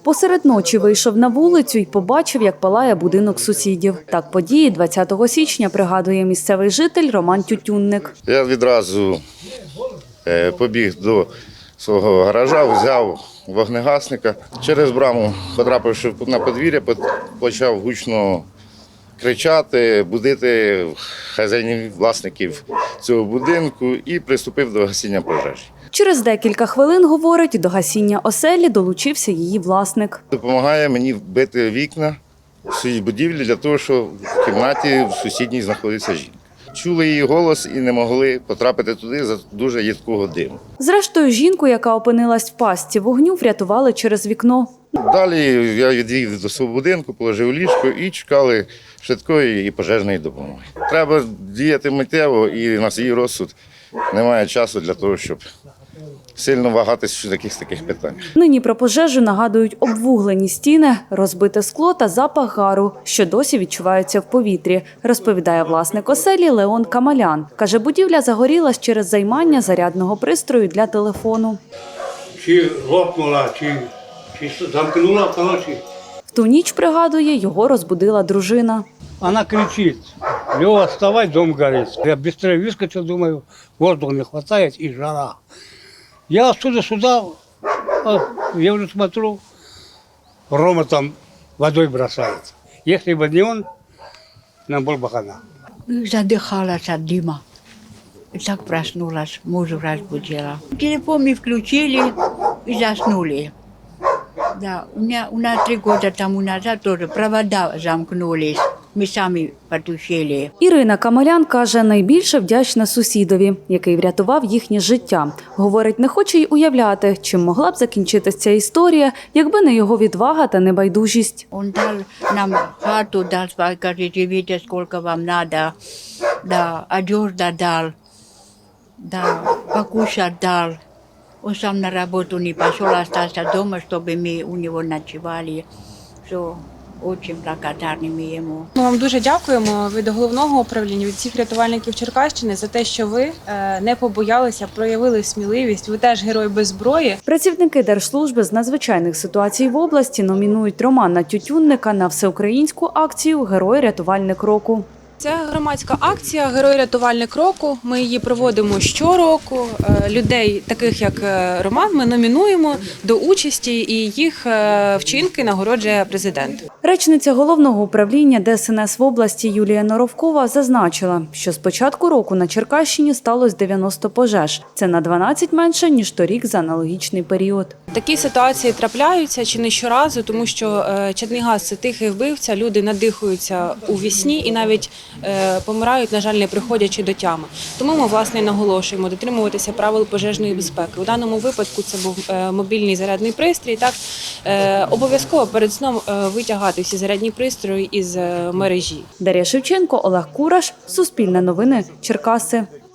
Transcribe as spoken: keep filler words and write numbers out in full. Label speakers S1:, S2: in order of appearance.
S1: Посеред ночі вийшов на вулицю і побачив, як палає будинок сусідів. Так події двадцятого січня пригадує місцевий житель Роман Тютюнник.
S2: Я відразу побіг до свого гаража, взяв вогнегасника. Через браму, потрапивши на подвір'я, почав гучно кричати, будити хазяїнів, власників цього будинку і приступив до гасіння пожежі.
S1: Через декілька хвилин, говорить, до гасіння оселі долучився її власник.
S2: Допомагає мені вбити вікна в цій будівлі для того, щоб в кімнаті в сусідній знаходиться жінка. Чули її голос і не могли потрапити туди за дуже їдкого диму.
S1: Зрештою, жінку, яка опинилась в пастці вогню, врятували через вікно.
S2: Далі я відвів до свого будинку, положив ліжко і чекали швидкої і пожежної допомоги. Треба діяти миттєво, і на свій розсуд немає часу для того, щоб сильно вагатись в якихось таких питаннях.
S1: Нині про пожежу нагадують обвуглені стіни, розбите скло та запах гару, що досі відчуваються в повітрі, розповідає власник оселі Леон Камалян. Каже, будівля загорілась через займання зарядного пристрою для телефону.
S3: Чи лопнула, чи, чи замкнула в ночі.
S1: В ту ніч, пригадує, його розбудила дружина.
S3: Она кричит: Лёва, вставай, дом горит. Я быстрее выскочил, думаю, воздуха не хватает и жара. Я отсюда сюда, я уже смотрю, Рома там водой бросается. Если бы не он, нам был бы хана.
S4: Задыхалась от дыма. И так проснулась, мужа разбудила. Телефон мы включили и заснули. Да, у меня у нас три года тому назад тоже провода замкнулись. Ми самі потушили.
S1: Ірина Камалян каже, найбільше вдячна сусідові, який врятував їхнє життя. Говорить, не хоче й уявляти, чим могла б закінчитися ця історія, якби не його відвага та небайдужість.
S4: Він дав нам хату, дав, каже, живіть, скільки вам треба. Да, одежда дав, да, покушать дав. Он сам на роботу не пішов, залишився вдома, щоб ми у нього ночували. Все. Дуже благодарні ми йому.
S5: Ми вам дуже дякуємо від головного управління, від всіх рятувальників Черкащини за те, що ви не побоялися, проявили сміливість. Ви теж герой без зброї.
S1: Працівники Держслужби з надзвичайних ситуацій в області номінують Романа Тютюнника на всеукраїнську акцію «Герой-рятувальник року».
S5: Це громадська акція «Герой-рятувальник року». Ми її проводимо щороку. Людей, таких як Роман, ми номінуємо до участі, і їх вчинки нагороджує президент.
S1: Речниця Головного управління Де Ес Ен Ес в області Юлія Норовкова зазначила, що з початку року на Черкащині сталося дев'яносто пожеж. Це на дванадцять менше, ніж торік за аналогічний період.
S5: Такі ситуації трапляються чи не щоразу, тому що чадний газ – це тихий вбивця, люди надихаються у вісні і навіть помирають, на жаль, не приходячи до тями. Тому ми, власне, наголошуємо дотримуватися правил пожежної безпеки. У даному випадку це був мобільний зарядний пристрій. Так, обов'язково перед сном витягати всі зарядні пристрої із мережі.
S1: Дар'я Шевченко, Олег Кураш, Суспільне новини, Черкаси.